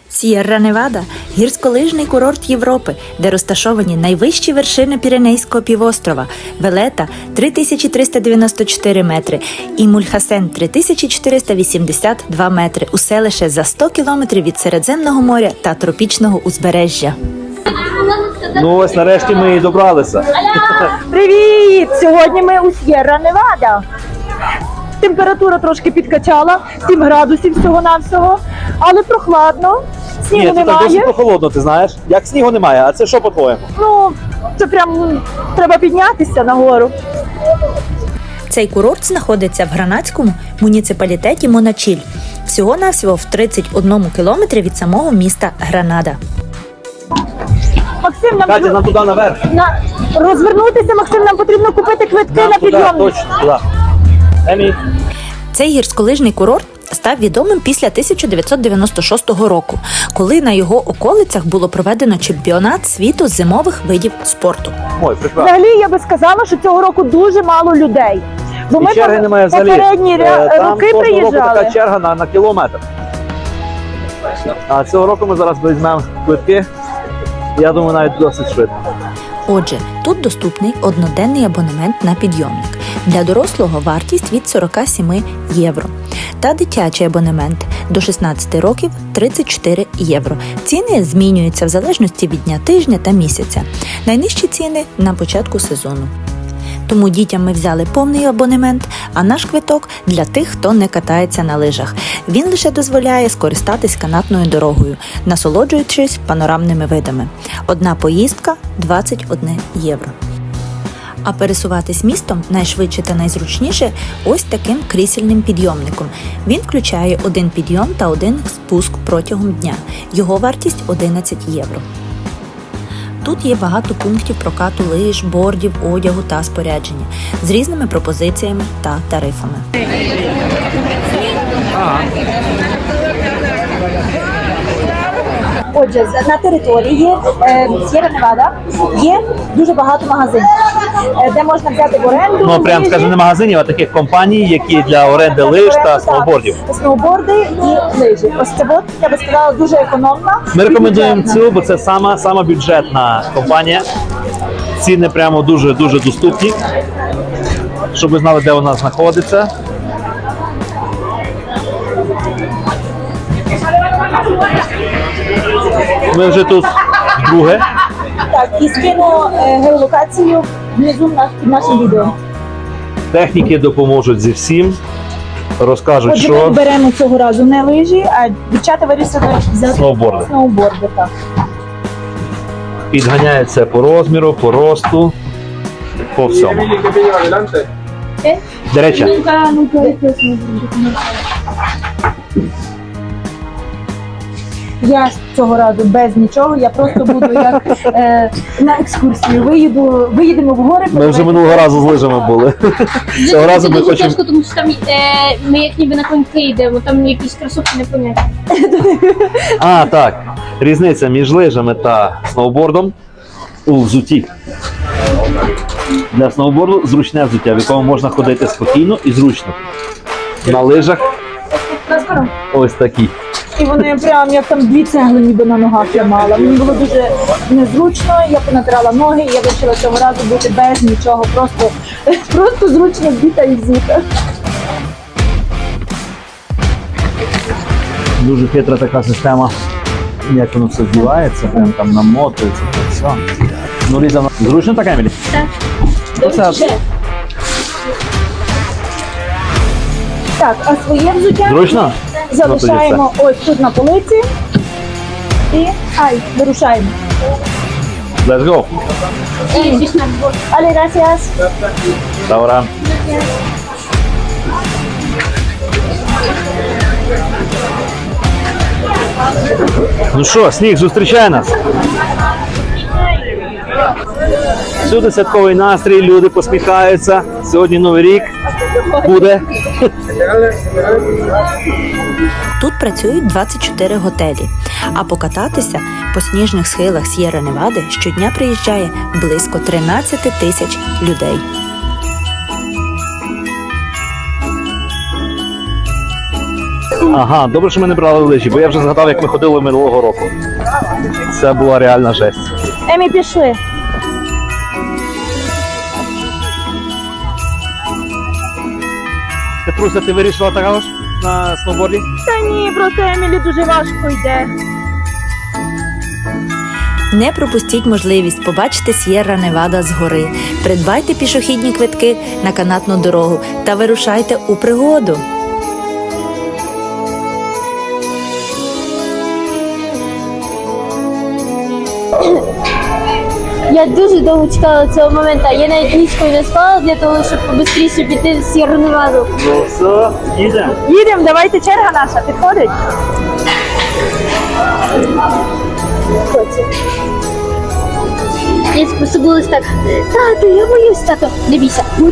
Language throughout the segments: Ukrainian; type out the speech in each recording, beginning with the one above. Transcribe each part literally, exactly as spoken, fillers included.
С'єрра-Невада – гірськолижний курорт Європи, де розташовані найвищі вершини Піренейського півострова – Велета – три тисячі триста дев'яносто чотири метри і Мульхасен – три тисячі чотириста вісімдесят два метри, усе лише за сто кілометрів від Середземного моря та тропічного узбережжя. Ну ось нарешті ми і добралися. Привіт! Сьогодні ми у С'єрра-Невада. Температура трошки підкачала, сім градусів всього-навсього, але прохладно, снігу Ні, це так немає. досить прохолодно, ти знаєш. Як снігу немає, а це що по-твоєму? Ну, це прям треба піднятися нагору. Цей курорт знаходиться в гранадському муніципалітеті Моначіль, всього-навсього в тридцять одному кілометрі від самого міста Гранада. Максим, нам, Катя, нам туди наверх. на... розвернутися, Максим, нам потрібно купити квитки Нам на туди, підйомник. точно, туди. Емі. Цей гірськолижний курорт став відомим після тисяча дев'ятсот дев'яносто шостого року, коли на його околицях було проведено чемпіонат світу з зимових видів спорту. Ой, прекрасно. Взагалі, я би сказала, що цього року дуже мало людей. Бо ми І черги пом- немає взагалі. попередні ря- Е, Там роки кожного року приїжджали. така черга на, на кілометр. А цього року ми зараз візьмемо квитки. Я думаю, навіть досить швидко. Отже, тут доступний одноденний абонемент на підйомник. Для дорослого вартість від сорок сім євро. Та дитячий абонемент до шістнадцяти років – тридцять чотири євро. Ціни змінюються в залежності від дня тижня та місяця. Найнижчі ціни – на початку сезону. Тому дітям ми взяли повний абонемент, а наш квиток – для тих, хто не катається на лижах. Він лише дозволяє скористатись канатною дорогою, насолоджуючись панорамними видами. Одна поїздка – двадцять одне євро. А пересуватись містом найшвидше та найзручніше ось таким крісельним підйомником. Він включає один підйом та один спуск протягом дня. Його вартість – одинадцять євро. Тут є багато пунктів прокату лиж, бордів, одягу та спорядження з різними пропозиціями та тарифами. Отже, з- на території е, С'єрра-Невада є дуже багато магазинів, е, де можна взяти в оренду. Ну, прям лижі, скажи, не магазинів, а таких компаній, які для оренди лиж та оренду, сноубордів. так, сноуборди і лижі. Ось це от, я би сказала, дуже економна. Ми і рекомендуємо бюджетна. цю, бо це сама, сама бюджетна компанія. Ціни прямо дуже-дуже доступні. Щоб ви знали, де вона знаходиться. Ми вже тут друге. Так, і скину е, геолокацію внизу на, під нашим відео. Техніки допоможуть зі всім. Розкажуть, Отже, ми що беремо цього разу не лижі, а дівчата вирішили взяти Сноуборди. сноуборди. Так. підганяється по розміру, по росту, по всьому. До речі, Нunca, nunca Я цього разу без нічого, я просто буду як е, на екскурсію. Виїду, виїдемо в гори. ми вже минулого разу з лижами були. Цього разу ми дуже хочемо. тяжко, тому що там е, ми як ніби на коньки йдемо, там якісь кросовки непонятні. А, так. Різниця між лижами та сноубордом у взутті. Для сноуборду зручне взуття, в якому можна ходити спокійно і зручно. На лижах ось такі. І вони прям як там дві цегли ніби на ногах я мала. Мені було дуже незручно, я понатирала ноги, і я вирішила цього разу бути без нічого, просто, просто зручно вдіта і взута. Дуже хитра така система, як воно все збивається, прям там намотується, то все. Ну, Ліза, зручно так, Емілі? Так. Оце. Так, а своє взуття Зручно? залишаємо ось тут на полиці і ай, вирушаємо. Let's go. І звісно, бо Але gracias. Добре. Ну що, сніг зустрічає нас. Всюди святковий настрій, люди посміхаються. Сьогодні Новий рік буде. Тут працюють двадцять чотири готелі, а покататися по сніжних схилах С'єрра-Невади щодня приїжджає близько тринадцять тисяч людей. Ага, добре, що ми не брали лижі, бо я вже згадав, як ми ходили минулого року. Це була реальна жесть. Емі, пішли. Петруся, ти вирішила також на сноуборді? Та ні, просто Емілі дуже важко йде. Не пропустіть можливість побачити С'єрра Невада згори. Придбайте пішохідні квитки на канатну дорогу та вирушайте у пригоду. Я дуже довго чекала цього моменту. Я навіть нічкою не спала для того, щоб побистріше піти в Сєрру Неваду. Ну все, їдемо. Їдемо, давайте, черга наша, підходить? Я пособилась так. Тату, я боюсь, тато. Не бійся, будь.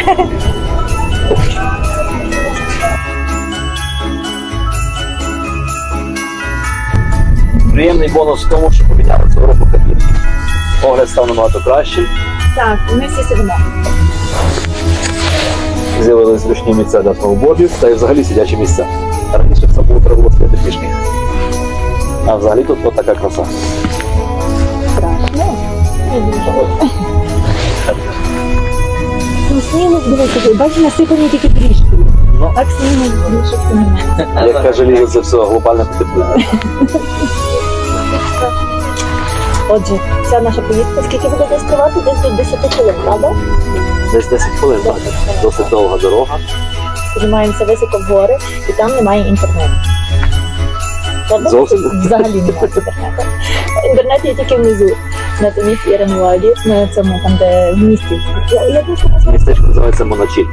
Приємний бонус в тому, що поміняли цього року кабінки. Огляд став набагато кращим. Так, ми всі сидимо. З'явились зручні місця для сноубордів та й взагалі сидячі місця. Раніше все було треба було стояти пішки. А взагалі тут от така краса. Страшно. Не дуже. Ну, снігу, дивіться, бачиш, насипані тільки трішки. Ну. Так снігу більше це немає. Як каже Ліга, це все глобальне потепління. Отже, ця наша поїздка, скільки буде десь тривати? Десь до десять хвилин, правда? Десь десять хвилин, так. Досить довга дорога. Піднімаємося високо в гори, і там немає інтернету. Правда? Зовсім? Взагалі немає інтернету. Інтернет є тільки внизу, на тому С'єрра Неваді, на цьому, там, де в місті. Я, я просто не знаю. Містечко називається Моначіль.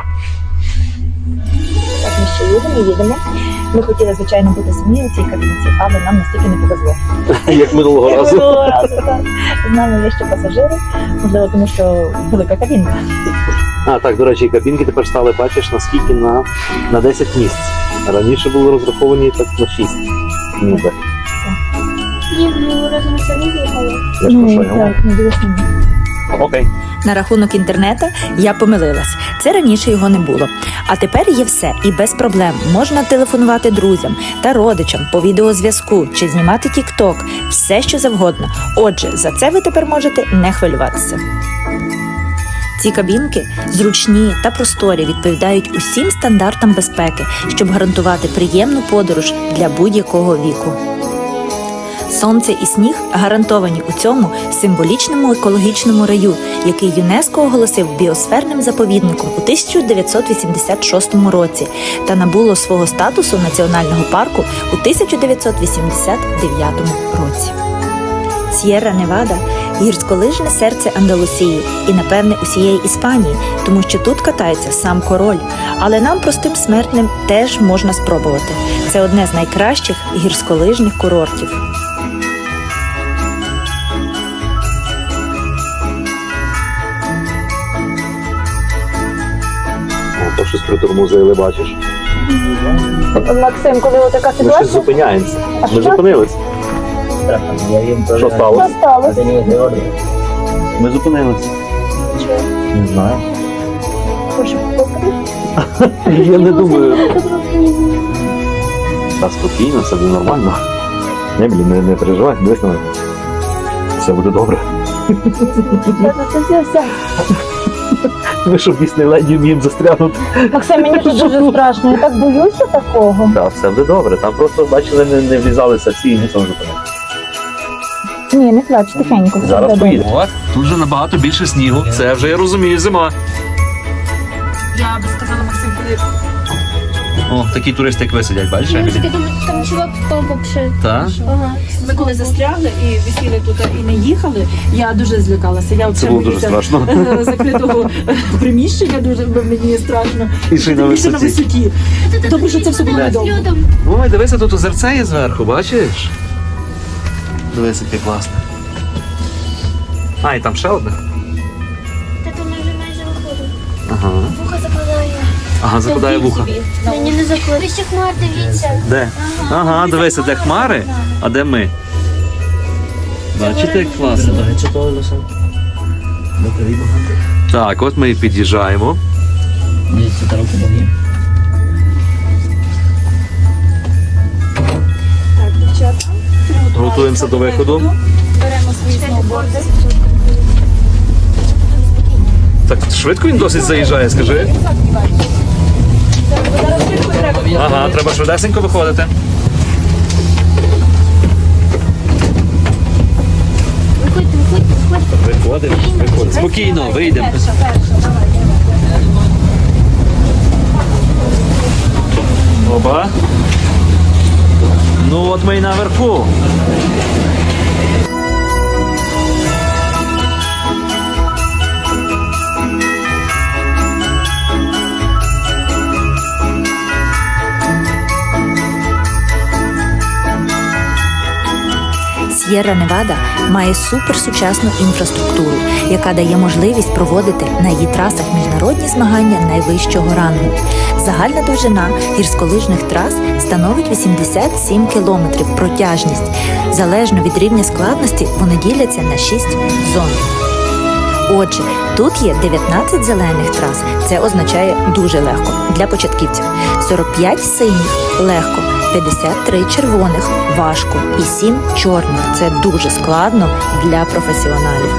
Так, ми ще їдемо, їдемо. Ми хотіли, звичайно, бути самі у цій кабінці, але нам настільки не повезло. Як минулого Як разу. минулого разу, так. З нами є ще пасажири, можливо, тому що велика кабінка. А, так, до речі, кабінки тепер стали, бачиш, наскільки на, на десять місць. Раніше були розраховані так на шість. Ніби. Ні, ми разом самі їхали. Я ж про що й говорю. так, ми дуже самі. Окей. На рахунок інтернету я помилилась. Це раніше його не було. А тепер є все і без проблем. Можна телефонувати друзям та родичам по відеозв'язку чи знімати тік-ток. Все, що завгодно. Отже, за це ви тепер можете не хвилюватися. Ці кабінки зручні та просторі, відповідають усім стандартам безпеки, щоб гарантувати приємну подорож для будь-якого віку. Сонце і сніг гарантовані у цьому символічному екологічному раю, який ЮНЕСКО оголосив біосферним заповідником у тисяча дев'ятсот вісімдесят шостому році та набуло свого статусу національного парку у тисяча дев'ятсот вісімдесят дев'ятому році. С'єрра Невада – гірськолижне серце Андалусії і, напевне, усієї Іспанії, тому що тут катається сам король. Але нам, простим смертним, теж можна спробувати. Це одне з найкращих гірськолижних курортів. О, то щось притормозили, бачиш. Максим, коли отака Ми щось ситуація, зупиняємося. А Ми що? зупинились. Що що сталося? сталося? Ми зупинились. Не знаю. Прошу, покажи. Я не думаю. Та спокійно, все буде нормально. Не, блін, не, не переживай, дивись на мене. Все буде добре. Це, це все, все. Ми що в Діснейленді вміємо застрягнути. Максим, мені тут дуже страшно, я так боюся такого. Так, все буде добре. Там просто, бачили, не, не влізалися всі і ніхто не зупинив. Ні, не плач, тихенько. все Зараз буде поїдемо. От, тут вже набагато більше снігу. Це вже я розумію, зима. Я би сказала, Максим, коли... О, такі туристи, як ви сидять, бачиш? Я таки думаю, там чувак впав вообще. Так? Ага. Ми коли застрягли і висіли тут і не їхали, я дуже злякалася. Я Це було дуже страшно. закритого приміщення, дуже мені страшно. І ще й на Тим більше на висоті. висоті. Тому що це все було недовго. Ой, дивися, тут озерце є зверху, бачиш? Дивись, яке класне. А, і там ще одне. Та то ми вже майже виходимо. Ага. Вуха закладає. Ага, закладає вуха. Мені не закладає. Ви ще хмар, дивіться. Де? Ага, дивися, де хмари, а де ми? Бачите, як класно? Так, от ми і під'їжджаємо. Готуємося до виходу. Беремо свої сноуборди. Так швидко він досить заїжджає, скажи. Зараз швидко треба. Ага, треба швидесенько виходити. Виходьте, виходьте, виходьте. Виходимо, виходимо. Спокійно, вийдемо. Перша, перша, давай. Опа. Ну от ми й наверху. С'єрра Невада має суперсучасну інфраструктуру, яка дає можливість проводити на її трасах міжнародні змагання найвищого рангу. Загальна довжина гірськолижних трас становить вісімдесят сім кілометрів протяжність. Залежно від рівня складності вони діляться на шість зон. Отже, тут є дев'ятнадцять зелених трас, це означає дуже легко для початківців, сорок п'ять синіх – легко, п'ятдесят три червоних – важко і сім чорних – це дуже складно для професіоналів.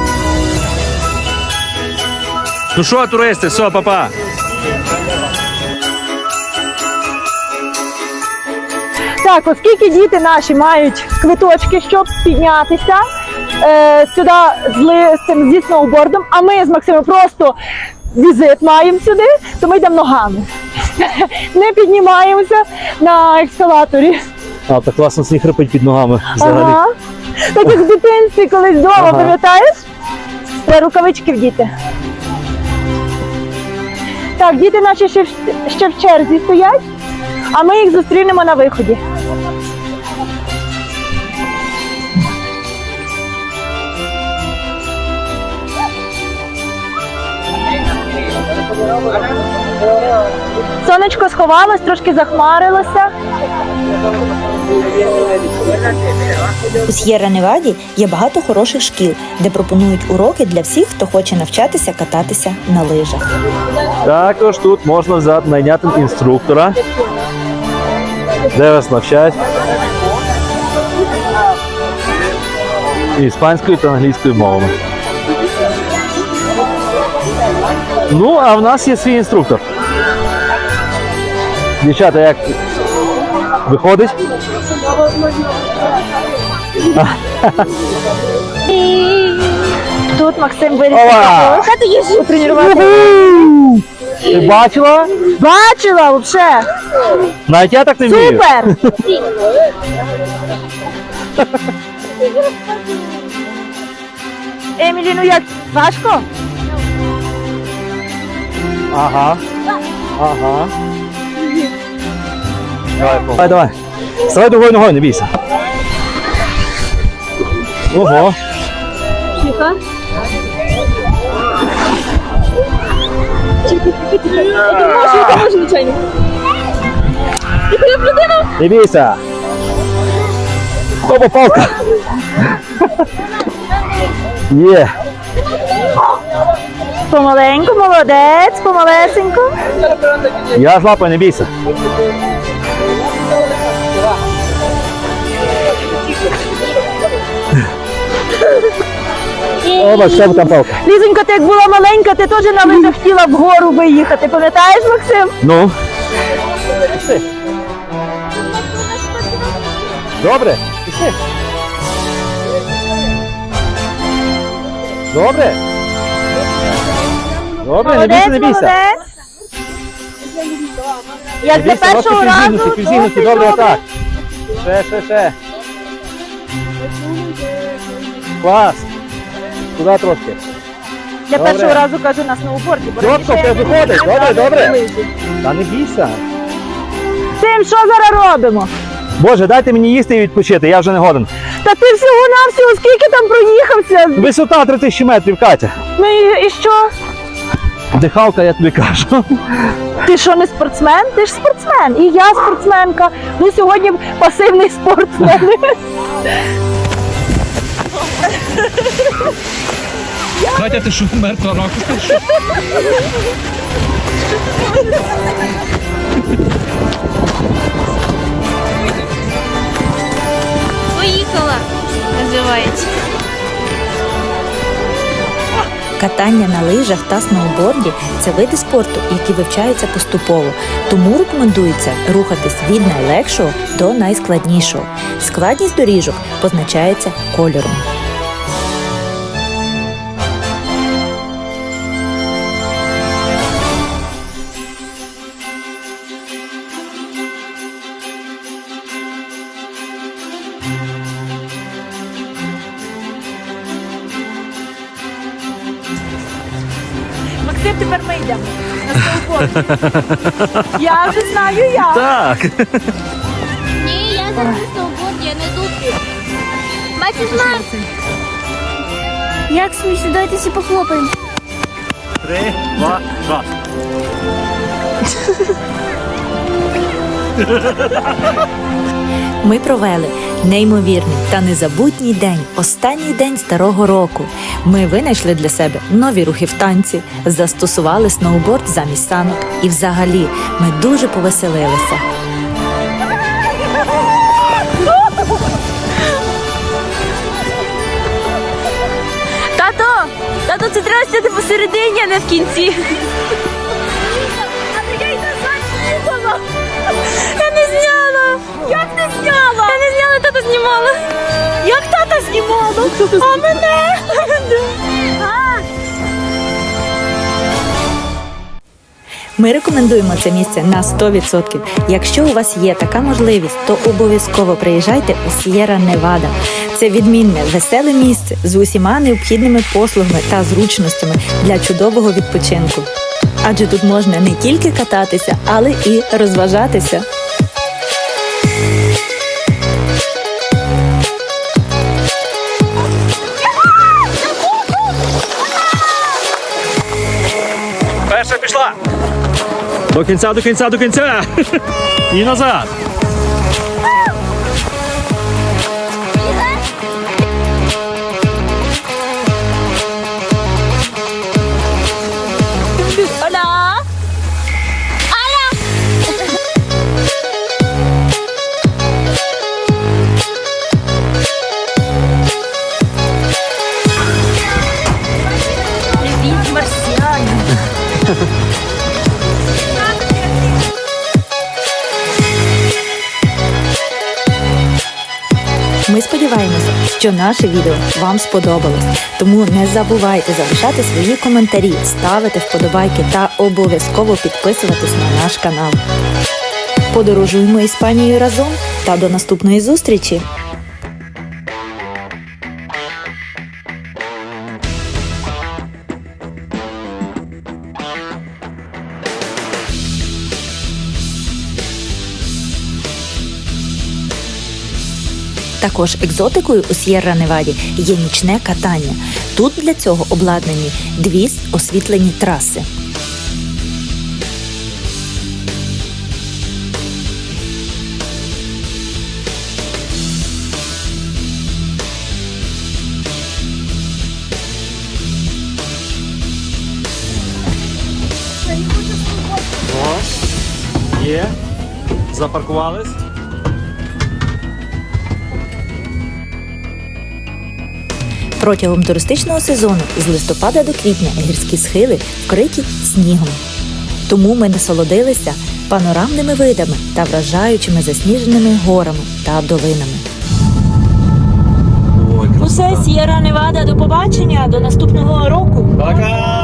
Ну що, туристи, все, папа. Так, оскільки діти наші мають квиточки, щоб піднятися е, сюди з, ли, з цим зі сноубордом, а ми з Максимом просто візит маємо сюди, то ми йдемо ногами. Не піднімаємося на ескалаторі. А, так класно сніг хрипить під ногами взагалі. Ага. Так як в дитинстві колись вдома, Ага. пам'ятаєш? Треба рукавички вдіти. Так, діти наші ще, в- ще в черзі стоять, а ми їх зустрінемо на виході. Сонечко сховалось, трошки захмарилося. У С'єрра Неваді є багато хороших шкіл, де пропонують уроки для всіх, хто хоче навчатися кататися на лижах. Також тут можна взяти найняти інструктора, де вас навчать іспанською та англійською мовами. Ну, а в нас є свій інструктор. Дівчата, як виходить? Тут Максим вирішив Ова! потренувати. Ти бачила? Бачила взагалі. Навіть я так не вмію. Супер! Емілі, ну як, важко? Ага. Ага. Давай, давай, давай. Ставай другою ногою, не бійся. Ого. Тихо. Не бійся. Опа, палка. Є. Помаленьку, молодець, помалесенько. Я з лапою, не бійся. Опа, ще там палка. Лізонько, ти як була маленька, ти теж на лижах хотіла вгору виїхати, пам'ятаєш, Максим? Ну. Добре? Пішли. Добре? Добре, не бійся, не бійся. молодець. Як Не для бійся, першого ножки разу, півзігнуті, півзігнуті, досить добре, добре. отак. Ще, ще, ще. Клас. Туди трошки. Для Добре. першого разу кажу на сноуборді. бо Чітко, раніше я все не виходить. вміла Добре, брати добре. лижі. Та не бійся. Тим, що зараз робимо? Боже, дайте мені їсти і відпочити, я вже не годен. Та ти всього-навсього скільки там проїхався? Висота три тисячі метрів, Катя. Ну і, і що? Дихалка, я тобі кажу. Ти що, не спортсмен? Ти ж спортсмен. І я спортсменка. Ну сьогодні пасивний спортсмен. Катя, ти що, мертва рака? Поїхала. називається. Катання на лижах та сноуборді – це види спорту, які вивчаються поступово, тому рекомендується рухатись від найлегшого до найскладнішого. Складність доріжок позначається кольором. Максим, тепер ми йдемо на сноуборд. Я вже знаю як. Так. Ні, я зараз на сноуборді, я не дупі. Бачиш, мам? Як смішно, давайте всі похлопаємо. Три, два, раз. Ми провели неймовірний та незабутній день, останній день старого року. Ми винайшли для себе нові рухи в танці, застосували сноуборд замість санок і взагалі ми дуже повеселилися. Тато! Тато, це треба сидіти посередині, а не в кінці. Я не зняла! Як не зняла? Я не зняла, тато знімала. Як тата знімала? А мене? Ми рекомендуємо це місце на сто відсотків. Якщо у вас є така можливість, то обов'язково приїжджайте у С'єрра Невада. Це відмінне, веселе місце з усіма необхідними послугами та зручностями для чудового відпочинку. Адже тут можна не тільки кататися, але і розважатися. Перша пішла. До кінця, до кінця, до кінця. І назад. Оля! Аля! Привіт, марсіані! Ми сподіваємося, що наше відео вам сподобалось. Тому не забувайте залишати свої коментарі, ставити вподобайки та обов'язково підписуватись на наш канал. Подорожуємо Іспанією разом та до наступної зустрічі! Також екзотикою у С'єрра Неваді є нічне катання. Тут для цього обладнані дві освітлені траси. О, є. Запаркувались. Протягом туристичного сезону з листопада до квітня гірські схили вкриті снігом. Тому ми насолодилися панорамними видами та вражаючими засніженими горами та долинами. Ой, Усе, С'єрра Невада, до побачення, до наступного року. Пока!